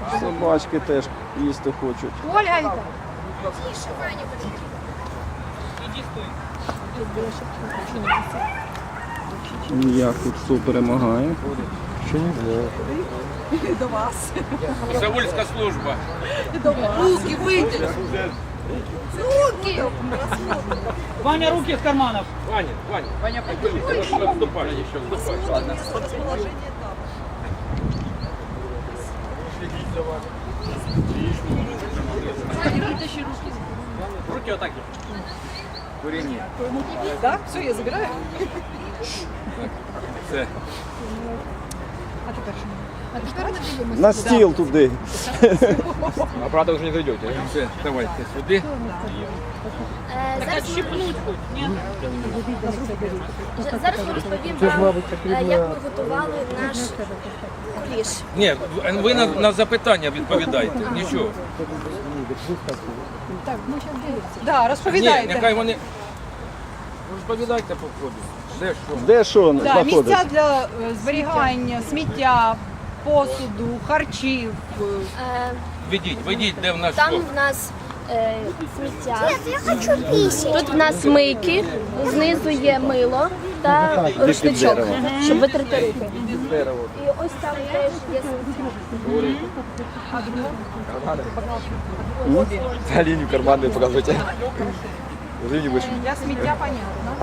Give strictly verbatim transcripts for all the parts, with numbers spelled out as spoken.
Собачки теж їсти хочуть. Ольга, Як тут хто перемагає? Ще не знаю. до вас. Саульська служба. Руки вийдіть. Руки! Ваня, руки из карманов. Ваня, Ваня. Ваня, отступай, еще отступай. Ладно. Руки вот так. Курение. Да? Все, я забираю. Все. А тепер що? А тепер дивимося. На стіл туди. А правда уже не дойдете. Все, давайте сюди. Зараз Щипнуть хоть, нет? зараз ми розповім вам, е, як ми готували наш куліш. Ні, ви на, на запитання відповідайте. Нічого. Так, ми зараз дивимося. Да, Ні, розповідайте. нехай вони... Розповідайте по ходу. Де що? Де що Да, знаходиться? місця для е, зберігання, сміття, посуду, харчів. е, Е, Ведіть, ведіть, де в нас Там що. в нас е, сміття. Тут в нас мийки, знизу є мило та рушничок, щоб витерти руки. І ось там теж є сміття. Та лінію карманную показывайте. Уже не вышли. Для сміття, понятно.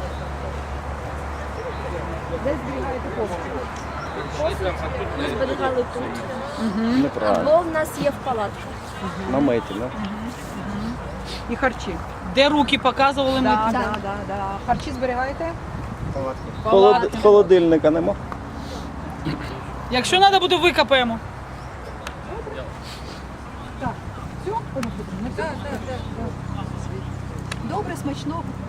Де зберігаєте посуд? Ми зберігали тут. Неправильно. Або в нас є в палатках. Наметі, да? І харчі. Де руки показували ми? Да, да, да, да. Харчі зберігаєте? Холод... Холодильника нема? Якщо треба буде, викопаємо. Так. Все? Так, так, так. Добре, смачного.